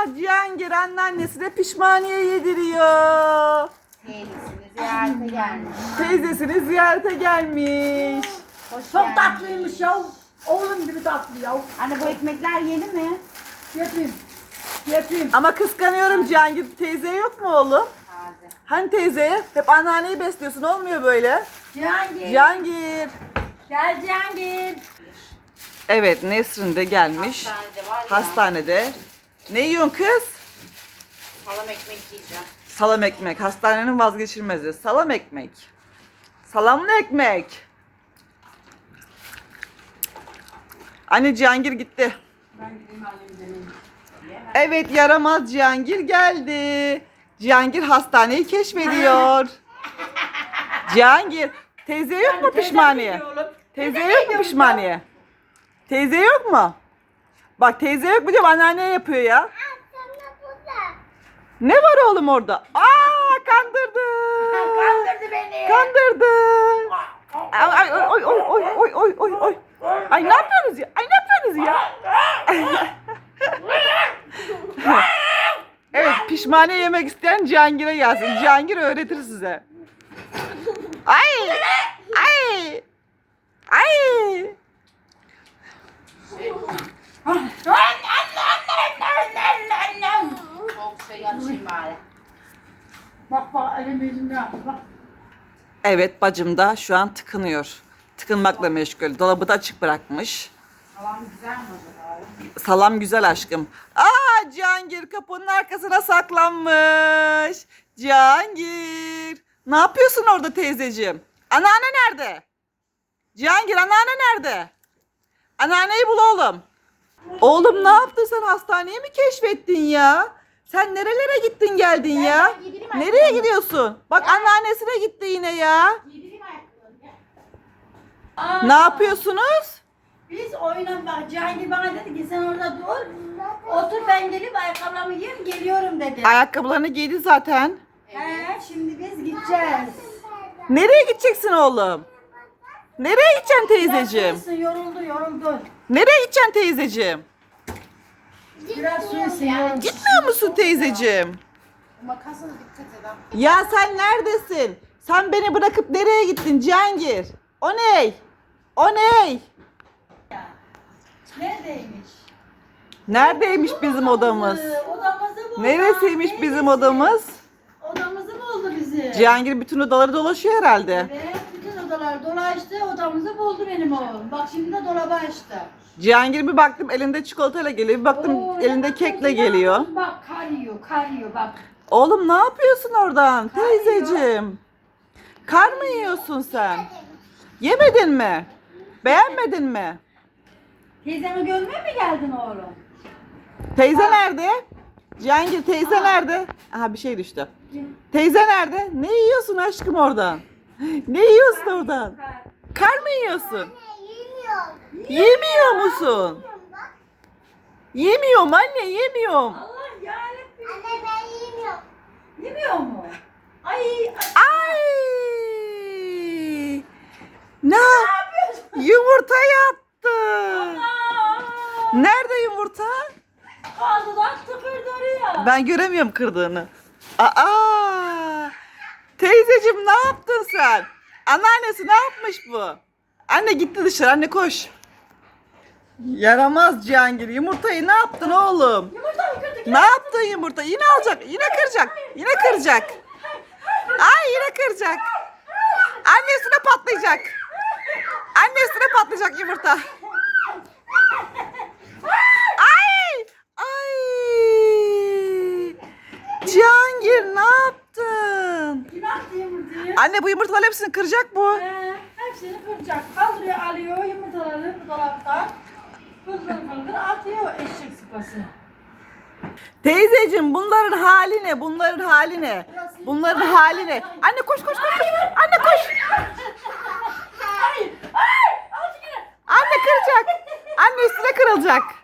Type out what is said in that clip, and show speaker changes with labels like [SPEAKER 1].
[SPEAKER 1] Cihangir anneannesine pişmaniye yediriyor.
[SPEAKER 2] Teyzesini ziyarete gelmiş.
[SPEAKER 1] Teyzesini ziyarete gelmiş.
[SPEAKER 2] Hoş
[SPEAKER 3] Çok
[SPEAKER 2] geldin.
[SPEAKER 3] tatlıymış ya. Oğlum gibi tatlı ya.
[SPEAKER 2] Anne bu ekmekler yeni mi?
[SPEAKER 3] Yapayım. Yapayım.
[SPEAKER 1] Ama kıskanıyorum Cihangir. Teyze yok mu oğlum?
[SPEAKER 2] Taze.
[SPEAKER 1] Hani teyzeye? Hep anneanneyi besliyorsun, olmuyor böyle.
[SPEAKER 3] Cihangir.
[SPEAKER 1] Cihangir.
[SPEAKER 3] Gel Cihangir.
[SPEAKER 1] Evet, Nesrin de gelmiş.
[SPEAKER 2] Hastanede var ya.
[SPEAKER 1] Hastanede. Ne yiyorsun kız?
[SPEAKER 2] Salam ekmek yiyeceğim.
[SPEAKER 1] Salam ekmek. Hastanenin vazgeçilmezi. Salam ekmek. Salamlı ekmek. Anne Cihangir gitti.
[SPEAKER 3] Ben gideyim annemi deneyim.
[SPEAKER 1] Evet, yaramaz Cihangir geldi. Cihangir hastaneyi keşfediyor. Cihangir, teyze yok mu pişmaniye? Teyze yok mu pişmaniye? Teyze yok mu? Bak teyze yok mu diyorum, anneanne yapıyor ya. Ne var oğlum orada? Aa, kandırdı.
[SPEAKER 3] Kandırdı beni.
[SPEAKER 1] Kandırdı. Ay oy oy oy oy oy oy oy. Ay ne yapıyorsunuz ya? Ay ne yapıyorsunuz ya? Evet, pişmaniye yemek isteyen Cihangir'e gelsin. Cihangir öğretir size. Ay! Ay! Ay!
[SPEAKER 2] Soğuk şey açayım bari.
[SPEAKER 3] Bak bak elim yüzümde yaptı bak.
[SPEAKER 1] Evet, bacım da şu an tıkınıyor. Tıkınmakla meşgul. Dolabı da açık bırakmış.
[SPEAKER 2] Salam güzel mi acaba?
[SPEAKER 1] Salam güzel aşkım. Aa, Cihangir kapının arkasına saklanmış. Cihangir. Ne yapıyorsun orada teyzeciğim? Anneanne nerede? Cihangir, anneanne nerede? Anneanneyi bul oğlum. Oğlum ne yaptın sen, hastaneyi mi keşfettin ya? Sen nerelere gittin geldin ya?
[SPEAKER 2] yedireyim
[SPEAKER 1] Nereye
[SPEAKER 2] ayakkabılarını.
[SPEAKER 1] gidiyorsun? Bak anneannesine gitti yine ya.
[SPEAKER 2] Yedireyim ayakkabılarını. Gel.
[SPEAKER 3] Aa,
[SPEAKER 1] Ne yapıyorsunuz?
[SPEAKER 3] Biz oyuna bak. Cihangir bana dedi ki sen orada dur. Otur ben gelip ayakkabılarımı yiyeyim geliyorum dedi.
[SPEAKER 1] Ayakkabılarını giydi zaten.
[SPEAKER 3] He, şimdi biz gideceğiz.
[SPEAKER 1] Nereye gideceksin oğlum? Nereye gideceksin teyzeciğim?
[SPEAKER 3] Biraz su içsin, yoruldu.
[SPEAKER 1] Nereye gideceksin teyzeciğim?
[SPEAKER 3] Biraz su içsin, yoruldu.
[SPEAKER 1] Gitmiyor musun teyzeciğim?
[SPEAKER 2] Makasına dikkat edin.
[SPEAKER 1] Ya sen neredesin? Sen beni bırakıp nereye gittin Cihangir? O ney? O ney?
[SPEAKER 3] Neredeymiş?
[SPEAKER 1] Neredeymiş bizim odamız?
[SPEAKER 3] Odamızı buldu.
[SPEAKER 1] Neresiymiş bizim odamız?
[SPEAKER 3] Odamızı buldu bizi.
[SPEAKER 1] Cihangir bütün odaları dolaşıyor herhalde.
[SPEAKER 3] Evet, bütün odalar dolaştı, odamızı buldu benim oğlum. Bak şimdi de dolabı açtı.
[SPEAKER 1] Cihangir bir baktım elinde çikolatayla geliyor, bir baktım
[SPEAKER 3] Oo,
[SPEAKER 1] elinde
[SPEAKER 3] ne
[SPEAKER 1] kekle
[SPEAKER 3] yapıyorsun
[SPEAKER 1] geliyor.
[SPEAKER 3] yavrum? Bak kar yiyor bak.
[SPEAKER 1] Oğlum ne yapıyorsun oradan
[SPEAKER 3] Kar yiyor.
[SPEAKER 1] teyzeciğim? Kar mı yiyorsun sen? Yemedin mi? Beğenmedin mi?
[SPEAKER 3] Teyzemi görmeye mi geldin oğlum?
[SPEAKER 1] Teyze nerede? Cihangir teyze nerede? Aha bir şey düştü. Teyze nerede? Ne yiyorsun aşkım oradan? Ne yiyorsun oradan? Kar mı yiyorsun? Yemiyor musun? Yemiyorum anne, yemiyorum.
[SPEAKER 3] Allah yarabbim. Yemiyor mu? Ay,
[SPEAKER 1] Ay! Ne? Yumurta yaptı. Nerede yumurta?
[SPEAKER 3] Ağzından tıkırdı oraya.
[SPEAKER 1] Ben göremiyorum kırdığını. Aa! Teyzeciğim ne yaptın sen? Anneannesi ne yapmış bu? Anne gitti dışarı, anne koş. Yaramaz Cihangir. Yumurtayı ne yaptın oğlum?
[SPEAKER 3] Yumurta mı kırdık?
[SPEAKER 1] Ne yaptın yumurta? Yine alacak, yine kıracak. Yine kıracak. Ay yine kıracak. Annesine patlayacak. Annesine patlayacak yumurta. Ay! Ay! Cihangir ne yaptın?
[SPEAKER 3] Kim attı yumurtayı?
[SPEAKER 1] Anne bu yumurtaların hepsini kıracak bu.
[SPEAKER 3] Hepsini kıracak. Kaldırıyor, alıyor yumurtaları bu dolaptan. Fıldır atıyor eşek sıpası.
[SPEAKER 1] Teyzeciğim bunların hali ne? Bunların hali ne? Bunların hali ne? Anne koş koş koş. Koş. Anne koş.
[SPEAKER 3] Ay! Ay! Al şunu!
[SPEAKER 1] Anne kıracak. Anne üstüne kırılacak.